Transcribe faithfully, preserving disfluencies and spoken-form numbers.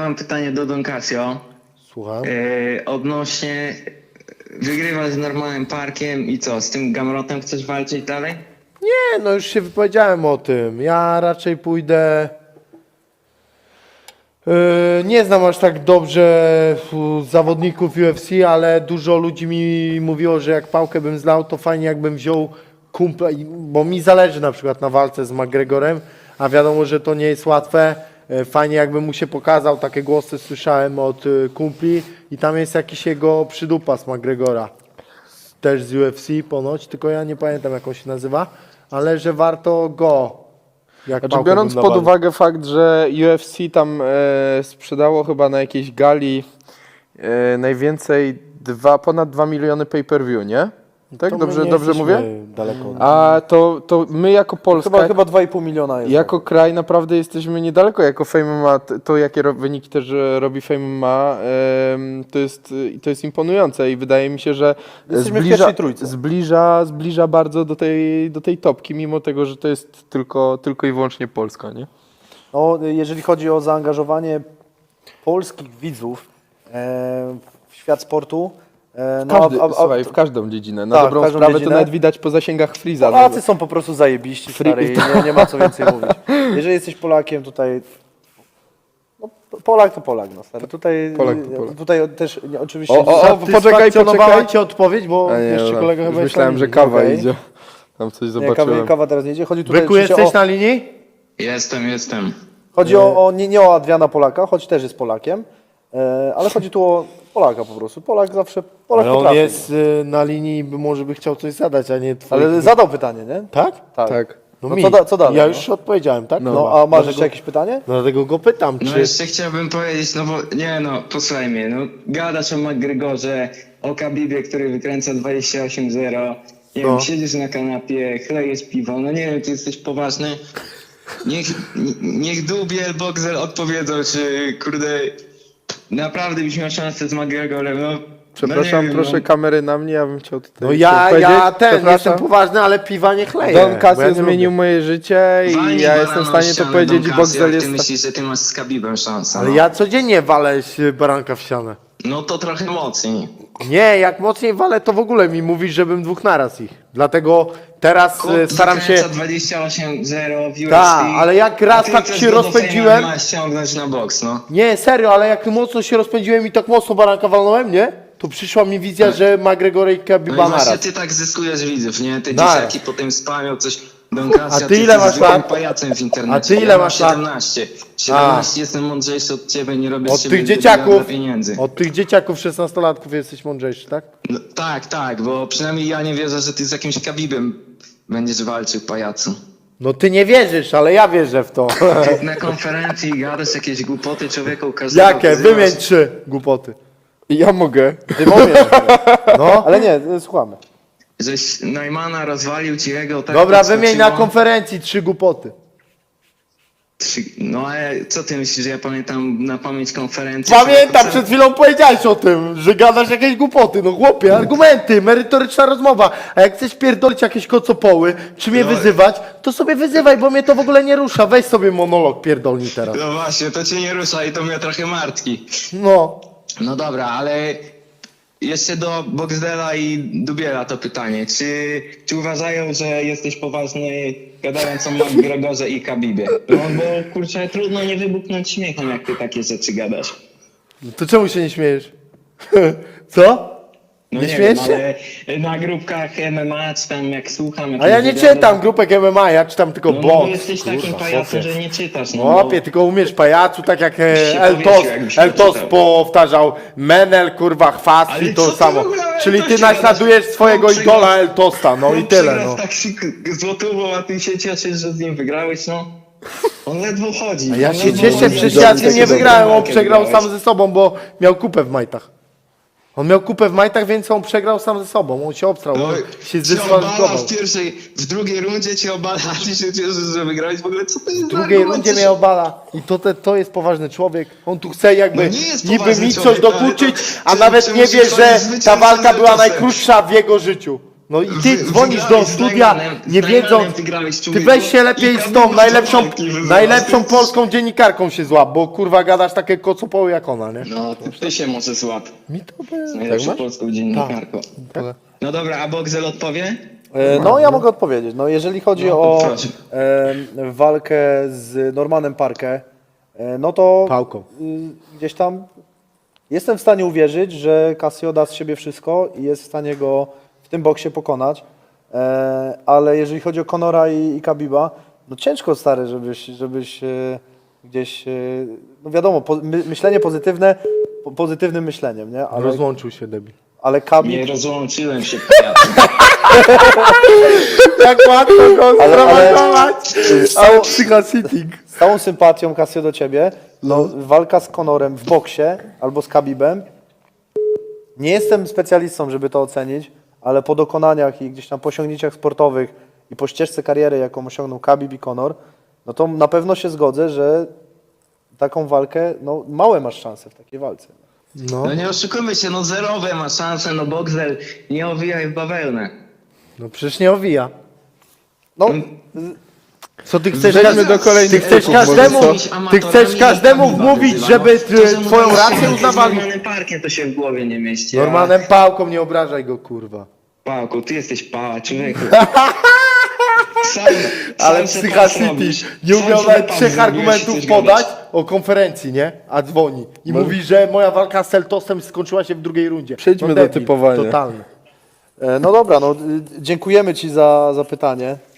mam pytanie do Don Casio. Słucham. Yy, odnośnie wygrywasz z normalnym parkiem i co, z tym Gamrotem chcesz walczyć dalej? Nie, no już się wypowiedziałem o tym. Ja raczej pójdę... Yy, nie znam aż tak dobrze u, zawodników U F C, ale dużo ludzi mi mówiło, że jak pałkę bym zlał, to fajnie jakbym wziął kumpla, i- bo mi zależy na przykład na walce z McGregorem, a wiadomo, że to nie jest łatwe. Yy, Fajnie jakbym mu się pokazał, takie głosy słyszałem od yy, kumpli i tam jest jakiś jego przydupa z McGregora. Też z U F C ponoć, tylko ja nie pamiętam jak on się nazywa, ale że warto go. Jak Znaczy, pałkę biorąc bym pod nawalił. uwagę fakt, że U F C tam e, sprzedało chyba na jakiejś gali e, najwięcej dwa, ponad dwa miliony pay-per-view, nie? Tak? To my Dobrze, nie dobrze jesteśmy mówię? Daleko. od- A to, to my jako Polska, Chyba, chyba dwa i pół miliona jest. jako kraj naprawdę jesteśmy niedaleko. Jako Fame M M A, t- to jakie ro, wyniki też e, robi Fame M M A, em, to, jest, e, to jest imponujące i wydaje mi się, że Jesteśmy w zbliża, pierwszej trójce. zbliża, zbliża bardzo do tej, do tej topki, mimo tego, że to jest tylko, tylko i wyłącznie Polska, nie? No, jeżeli chodzi o zaangażowanie polskich widzów e, w świat sportu, e, no, Każdy, a- a- a- słuchaj, w każdą dziedzinę. Na Tak, w dobrą każdą sprawę dziedzinę. to nawet widać po zasięgach Freeza. Polacy są po prostu zajebiści, Free- stary, i nie, nie ma co więcej mówić. Jeżeli jesteś Polakiem tutaj, no, Polak to Polak, no stary. Tutaj, Polak to Polak. tutaj też nie, oczywiście... O, o, o, poczekaj, Satysfakcjonowała poczekaj. cię odpowiedź, bo A nie, jeszcze dobra. kolega Już chyba jest myślałem, na że linii. kawa Okej. idzie. Tam coś nie, kawa, zobaczyłem. kawa teraz nie idzie. Chodzi tutaj Byku, oczywiście jesteś o, na linii? Jestem, jestem. chodzi o, o nie, nie o Adriana Polaka, choć też jest Polakiem, e, ale chodzi tu o Polaka po prostu. Polak zawsze, Polak Ale on potrafi. jest y, na linii, by może by chciał coś zadać, a nie twój. Ale zadał pytanie, nie? Tak? Tak. Tak. No, No mi. co da- co dalej, Ja no? już odpowiedziałem, tak? No, Chyba. a masz Dlatego- jeszcze jakieś pytanie? Dlatego go pytam, No czy... jeszcze chciałbym powiedzieć, no bo nie no, posłuchaj mnie, no gadasz o McGregorze, o Khabibie, który wykręca dwadzieścia osiem zero, nie No. wiem, siedzisz na kanapie, chlejesz piwo, no nie wiem, ty jesteś poważny. Niech, niech Dubiel, Boxel odpowiedzą, czy kurde, naprawdę byś miał szansę z McGregorem, no. Przepraszam, no nie wiem, proszę no. kamery na mnie, ja bym chciał tutaj No coś ja, powiedzieć. ja ten, Przepraszam. jestem poważny, ale piwa nie chleję. Don bo Casio ja nie zmienił lubię. moje życie i Walnij ja barana jestem w o stanie to ścianę, powiedzieć Don i Casio, Boxel jak jest... ty myślisz, że ty masz z Khabibem szansę, Ale no. ja codziennie walę z baranka w ścianę. No to trochę mocniej. Nie, jak mocniej walę, to w ogóle mi mówisz, żebym dwóch naraz ich. Dlatego teraz y, staram się... dwadzieścia osiem zero w U F C. Tak, ale jak raz a ty tak chcesz się go do rozpędziłem- Fame'a ściągnąć na boks, no. Nie, serio, ale jak mocno się rozpędziłem i tak mocno baranka walnąłem, nie? To przyszła mi wizja, że McGregor i No i Khabiba właśnie naraz. ty tak zyskujesz widzów, nie? Te Naraz. dzieciaki potem spamią coś Don Casio, A ty ile jesteś masz zwykłym lat? pajacem w internecie. A ty ile ja mam masz lat? siedemnaście. siedemnaście, jestem mądrzejszy od ciebie, nie robię z Od ciebie tych dla dzieciaków, pieniędzy. od tych dzieciaków szesnastolatków jesteś mądrzejszy, tak? No, tak, tak, bo przynajmniej ja nie wierzę, że ty z jakimś Khabibem będziesz walczył, pajacu. No ty nie wierzysz, ale ja wierzę w to. Ty na konferencji gadasz jakieś głupoty człowieku, każdego Jakie? wyzywasz. Wymień trzy głupoty. Ja mogę. Ty mówisz, No. ale nie, słuchamy. Żeś Najmana rozwalił ci jego tak Dobra, podskoczyło. wymień na konferencji trzy głupoty. Trzy- No ale co ty myślisz, że ja pamiętam na pamięć konferencję? Pamiętam, Człowieku, przed chwilą powiedziałeś o tym, że gadasz jakieś głupoty. No chłopie, argumenty, merytoryczna rozmowa. A jak chcesz pierdolić jakieś kocopoły, czy mnie No. wyzywać, to sobie wyzywaj, bo mnie to w ogóle nie rusza. Weź sobie monolog pierdolni teraz. No właśnie, to cię nie rusza i to mnie trochę martwi. No. No dobra, ale jeszcze do Boxdela i Dubiela to pytanie. Czy, czy uważają, że jesteś poważny gadając o McGregorze i Khabibie? No bo kurczę, trudno nie wybuchnąć śmiechem, jak ty takie rzeczy gadasz. To czemu się nie śmiejesz? Co? No Nie nie, śmiejesz wiem, się? ale na grupkach M M A, czy tam jak słucham... A ja nie jakichś wywiadów- czytam grupek M M A, ja czytam tylko No, no bo boks. jesteś takim Kurwa, pajacem, chłopie. że nie czytasz. No, Chłopie, tylko umiesz pajacu, tak jak e, się Eltos, powiesił, jakbyś Eltos przeczytał. powtarzał, Menel, kurwa, chwast Ale i to co ty samo. w ogóle o Czyli ty Eltosie naśladujesz gadasz? swojego On przegrał- idola Eltosta, no i On tyle, przegrał no. z taksik złotówą, a ty się cieszysz, że z nim wygrałeś, no. On ledwo chodzi. A ja on się ledwo cieszę, chodzi. przecież Dobrze, ja z nim nie taką wygrałem, on walkę przegrał wygrałeś. sam ze sobą, bo miał kupę w majtach. On miał kupę w majtach, więc on przegrał sam ze sobą, on się obstrał, No, on się cię obala zdyskwalifikował. w pierwszej, w drugiej rundzie cię obala, a ty się cieszysz, że wygrałeś. W ogóle co to jest W drugiej rundzie mnie obala i to, te, to jest poważny człowiek. On tu chce jakby No nie jest niby poważny mi coś człowiek, ale dokuczyć, to- a czy- nawet czy nie musisz wie, że chodzić ta zwycięzcą walka z była Eltosem? najkrótsza w jego życiu. No i Wy- ty dzwonisz do wygrałeś z studia, Najmanem, nie z Najmanem wiedząc, wygrałeś, ty człowieku. weź się lepiej I z tam tą były najlepszą, walki wywołane. najlepszą polską dziennikarką się złap, bo kurwa gadasz takie kocopoły jak ona, nie? No, to ty się może złap Mi to z by... najlepszą masz? polską dziennikarką. Tak. No dobra, a Boxel odpowie? E, No ja mogę odpowiedzieć. No, jeżeli chodzi No, o proszę. e, walkę z Normanem Parke, e, no to Pałką. y, gdzieś tam jestem w stanie uwierzyć, że Casio da z siebie wszystko i jest w stanie go w tym boksie pokonać. E, ale jeżeli chodzi o Conora i, i Khabiba, no ciężko stary, żebyś, żebyś e, gdzieś, e, no wiadomo, po, my, myślenie pozytywne, po, pozytywnym myśleniem, nie? Ale, Rozłączył się debil. ale Khabib... Nie rozłączyłem się, pajacu. Jak łatwo go Ale- ale- sprowokować! A psychositting. Z całą sympatią, Casio, do ciebie, no, walka z Conorem w boksie albo z Khabibem, nie jestem specjalistą, żeby to ocenić, ale po dokonaniach i gdzieś tam po osiągnięciach sportowych i po ścieżce kariery, jaką osiągnął Khabib i Conor, no to na pewno się zgodzę, że taką walkę, no małe masz szanse w takiej walce. No, No nie oszukujmy się, no zerowe ma szanse, no Boxel, nie owijaj w bawełnę. no przecież nie owija. No, Co ty chcesz, Przejdźmy każ- do kolejnych ty chcesz typów, może każdemu, co? ty chcesz każdemu wmówić, żeby t- twoją rację Z uznawali. normalnym parkiem to się w głowie nie mieści. a- Normalnym pałką, nie obrażaj go, kurwa. Pałku, ty jesteś pała, człowieku. Sam, Ale sam se Psycha pas City robisz. nie Sam umiał sobie nawet pas trzech zrobiłeś i argumentów chcesz podać gadać. o konferencji, nie? A dzwoni. I mówi, że moja walka z Seltosem skończyła się w drugiej rundzie. Przejdźmy no do debil, typowania. Totalny. e, no dobra, no, y, dziękujemy Ci za, za pytanie.